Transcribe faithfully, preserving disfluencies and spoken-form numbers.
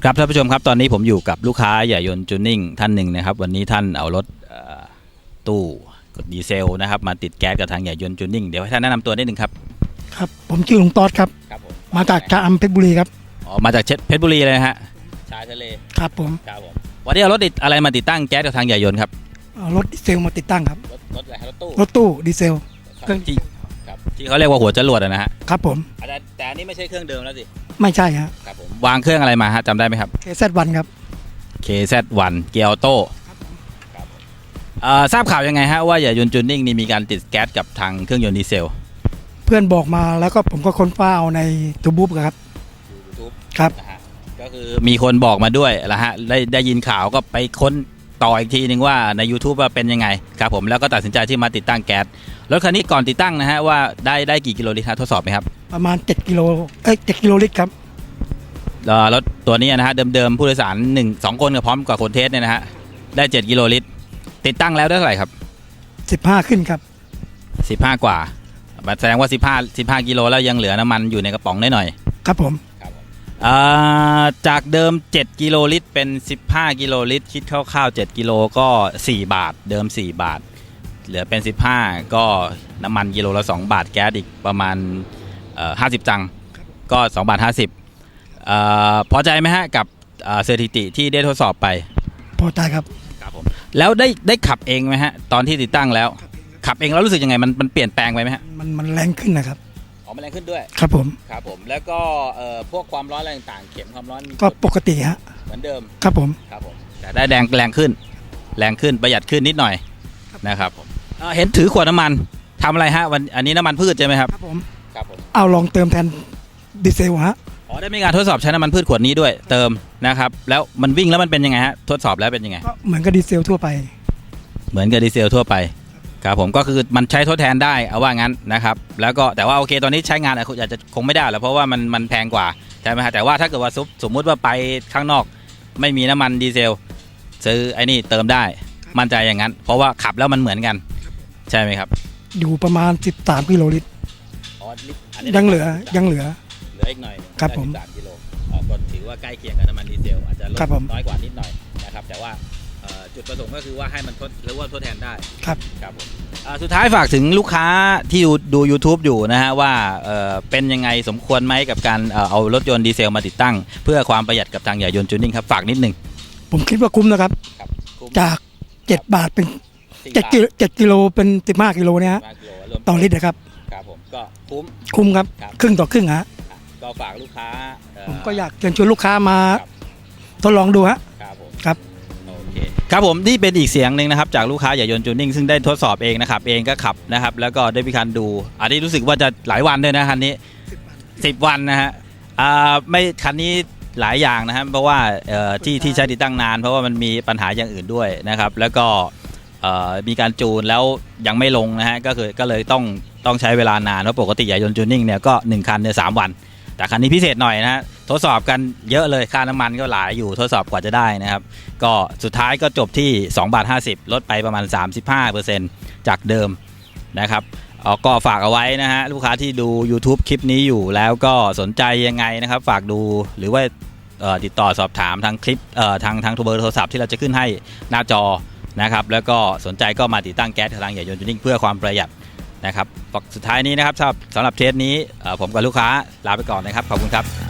ครับท่านผู้ชมครับตอนนี้ผมอยู่กับลูกค้าใหญ่ยนต์จูนนิ่งท่านหนึ่งนะครับวันนี้ท่านเอารถตู้กดดีเซลนะครับมาติดแก๊สกับทางใหญ่ยนต์จูนนิ่งเดี๋ยวให้ท่านแนะนำตัวนิดหนึ่งครับครับผมชื่อลุงต๊อดครับครับผมมาจากชะอำเพชรบุรีครับอ๋อมาจากเพชรบุรีเลยนะฮะชายทะเลครับผมครับผมวันนี้เอารถติดอะไรมาติดตั้งแก๊สกับทางใหญ่ยนต์ครับเอารถดีเซลมาติดตั้งครับรถรถอะไรรถตู้รถตู้ดีเซลเครื่องที่ครับที่เขาเรียกว่าหัวจรวดนะฮะครับผมแต่แต่อันนี้ไม่ใช่เครื่องเดิมแล้วสิไม่ใช่ฮะครับผมวางเครื่องอะไรมาฮะจำได้ไหมครับเค แซด วัน ครับเค แซด วัน เกียร์ออโต้ครับทราบข่าวยังไงฮะว่าใหญ่ยนต์จูนนิ่งนี่มีการติดแก๊สกับทางเครื่องยนต์ดีเซลเพื่อนบอกมาแล้วก็ผมก็ค้นฟ้าเอาในทูบูบครับยูทูบครับก็คือมีคนบอกมาด้วยละฮะได้ได้ยินข่าวก็ไปค้นต่ออีกทีนึงว่าใน YouTube ว่าเป็นยังไงครับผมแล้วก็ตัดสินใจที่มาติดตั้งแก๊สรถคันนี้ก่อนติดตั้งนะฮะว่าได้ได้กี่กิโลลิตรทดสอบไหมครับประมาณเจ็ดกิโลเอ้ยเจ็ดกิโลลิตรครับรถตัวนี้นะฮะเดิมๆผู้โดยสารหนึ่ง สองคนกับพร้อมกับคนเทสเนี่ยนะฮะได้เจ็ดกิโลลิตรติดตั้งแล้วได้เท่าไหร่ครับสิบห้าขึ้นครับสิบห้ากว่าแสดงว่าสิบห้า สิบห้ากิโลแล้วยังเหลือน้ำมันอยู่ในกระป๋องได้หน่อยครับผมจากเดิมเจ็ดกิโลลิตรเป็นสิบห้ากิโลลิตรคิดคร่าวๆเจ็ดกิโลก็สี่บาทเดิมสี่บาทเหลือเป็นสิบห้าก็น้ำมันกิโลละสองบาทแก๊สอีกประมาณเอ่อห้าสิบตังค์ก็สองบาทห้าสิบเอ่อพอใจไหมฮะกับสถิติที่ได้ทดสอบไปพอใจครับครับผมแล้วได้ได้ขับเองไหมฮะตอนที่ติดตั้งแล้วขับเองแล้วรู้สึกยังไงมันมันเปลี่ยนแปลงไปไหมฮะมันมันแรงขึ้นนะครับอ๋อมันแรงขึ้นด้วยครับผมครับผมแล้วก็เอ่อพวกความร้อนอะไรต่างๆเข็มความร้อนก็ปกติฮะเหมือนเดิมครับผมครับผมแต่ได้แรงแรงขึ้นแรงขึ้นประหยัดขึ้นนิดหน่อยนะครับผมเห็นถือขวดน้ำมันทำอะไรฮะวันอันนี้น้ำมันพืชใช่ไหมครับครับผมครับผมเอาลองเติมแทนดีเซลฮะอ๋อได้มีการทดสอบใช้น้ำมันพืชขวดนี้ด้วยเติมนะครับแล้วมันวิ่งแล้วมันเป็นยังไงฮะทดสอบแล้วเป็นยังไงก็เหมือนกับดีเซลทั่วไปเหมือนกับดีเซลทั่วไปครับผมก็คือมันใช้ทดแทนได้เอาว่างั้นนะครับแล้วก็แต่ว่าโอเคตอนนี้ใช้งานอาจจะคงไม่ได้แล้วเพราะว่ามันมันแพงกว่าใช่ไหมฮะแต่ว่าถ้าเกิดว่าสมมุติว่าไปข้างนอกไม่มีน้ำมันดีเซลซื้อไอ้นี่เติมได้มั่นใจอย่างนั้นเพราะว่าขับแล้วมันเหมือนกันใช่ไหมครับอยู่ประมาณสิบสามกิโลลิตรยังเหลือยังเหลือเหลืออีกหน่อยครับผมสามกิโลก็ถือว่าใกล้เคียงกับน้ำมันดีเซลอาจจะลดน้อยกว่านิดหน่อยนะครับแต่ว่าจุดประสงค์ก็คือว่าให้มันทดหรือว่าทดแทนได้ครับครับผมสุดท้ายฝากถึงลูกค้าที่ดู YouTube อยู่นะฮะว่าเป็นยังไงสมควรไหมกับการเอารถยนต์ดีเซลมาติดตั้งเพื่อความประหยัดกับทางใหญ่ยนต์จูนนิ่งครับฝากนิดนึงผมคิดว่าคุ้มนะครับจากเจ็ดบาทเป็นเจ็ดกิโลเจ็ดกิโลเป็นสิบห้ากิโลเนี่ยฮะต่อลิตรนะครับครับผมก็คุ้มคุ้มครับครึ่งต่อครึ่งฮะก็ฝากลูกค้าผมก็อยากเชิญชวนลูกค้ามาทดลองดูฮะครับผมครับครับผมนี่เป็นอีกเสียงหนึ่งนะครับจากลูกค้าใหญ่ยนต์จูนนิ่งซึ่งได้ทดสอบเองนะครับเองก็ขับนะครับแล้วก็ได้มีการดูอันนี้รู้สึกว่าจะหลายวันด้วยนะคันนี้สิบวันนะฮะอ่าไม่คันนี้หลายอย่างนะครับเพราะว่าที่ที่ใช้ติดตั้งนานเพราะว่ามันมีปัญหาอย่างอื่นด้วยนะครับแล้วก็มีการจูนแล้วยังไม่ลงนะฮะก็คือก็เลยต้องต้องใช้เวลานานเพราะปกติใหญ่ยนต์จูนนิ่งเนี่ยก็หนึ่งคันเนี่ยสามวันแต่คันนี้พิเศษหน่อยนะฮะทดสอบกันเยอะเลยค่าน้ำมันก็หลายอยู่ทดสอบกว่าจะได้นะครับก็สุดท้ายก็จบที่สองบาทห้าสิบลดไปประมาณ สามสิบห้าเปอร์เซ็นต์ จากเดิมนะครับก็ฝากเอาไว้นะฮะลูกค้าที่ดู YouTube คลิปนี้อยู่แล้วก็สนใจยังไงนะครับฝากดูหรือว่าติดต่อสอบถามทางคลิปทางทางเบอร์โทรศัพท์ที่เราจะขึ้นให้หน้าจอนะครับแล้วก็สนใจก็มาติดตั้งแก๊สทางใหญ่ยนต์จูนนิ่งเพื่อความประหยัดนะครับสุดท้ายนี้นะครับสำหรับเทสนี้ผมกับลูกค้าลาไปก่อนนะครับขอบคุณครับ